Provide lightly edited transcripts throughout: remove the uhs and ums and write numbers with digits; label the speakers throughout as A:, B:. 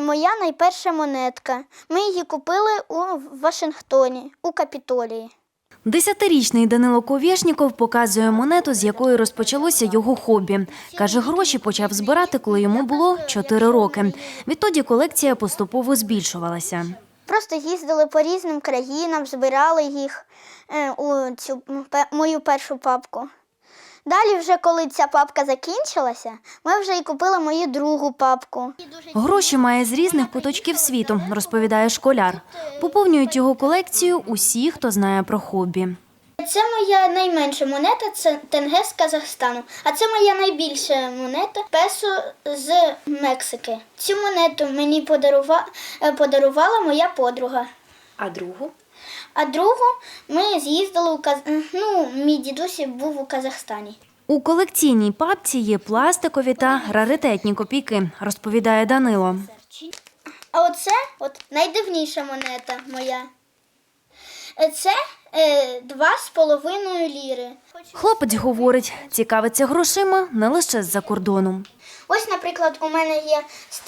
A: моя найперша монетка. Ми її купили у Вашингтоні, у Капітолії.
B: 10-річний Данило Ковєшніков показує монету, з якої розпочалося його хобі. Каже, гроші почав збирати, коли йому було 4 роки. Відтоді колекція поступово збільшувалася.
A: Просто їздили по різним країнам, збирали їх у цю мою першу папку. Далі вже, коли ця папка закінчилася, ми вже і купили мою другу папку.
B: Гроші має з різних куточків світу, розповідає школяр. Поповнюють його колекцію усі, хто знає про хобі.
A: Це моя найменша монета, це тенге з Казахстану. А це моя найбільша монета – песо з Мексики. Цю монету мені подарувала моя подруга.
B: А другу?
A: А другу ми з'їздили мій дідусь був у Казахстані.
B: У колекційній папці є пластикові та раритетні копійки, розповідає Данило.
A: А оце найдивніша монета моя. Це 2,5 ліри.
B: Хлопець говорить, цікавиться грошима не лише з-за кордону.
A: Ось, наприклад, у мене є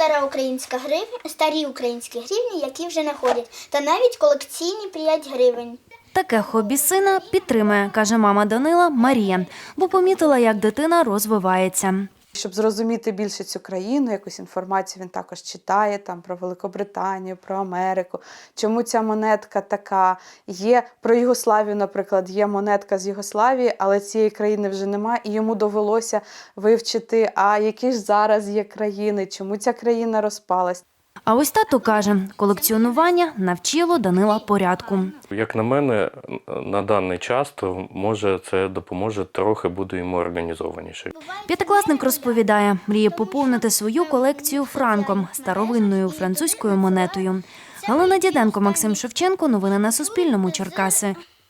A: старі українські гривні, які вже не ходять, та навіть колекційні 5 гривень.
B: Таке хобі сина підтримує, каже мама Данила Марія, бо помітила, як дитина розвивається.
C: Щоб зрозуміти більше цю країну, якусь інформацію він також читає там про Великобританію, про Америку, чому ця монетка така. Є про Югославію, наприклад, є монетка з Югославії, але цієї країни вже немає, і йому довелося вивчити, а які ж зараз є країни, чому ця країна розпалась.
B: А ось тато каже, колекціонування навчило Данила порядку.
D: Як на мене, на даний час, то може це допоможе, трохи буду йому організованіше.
B: П'ятикласник розповідає, мріє поповнити свою колекцію франком, старовинною французькою монетою. Галина Діденко, Максим Шевченко. Новини на Суспільному. Черкаси.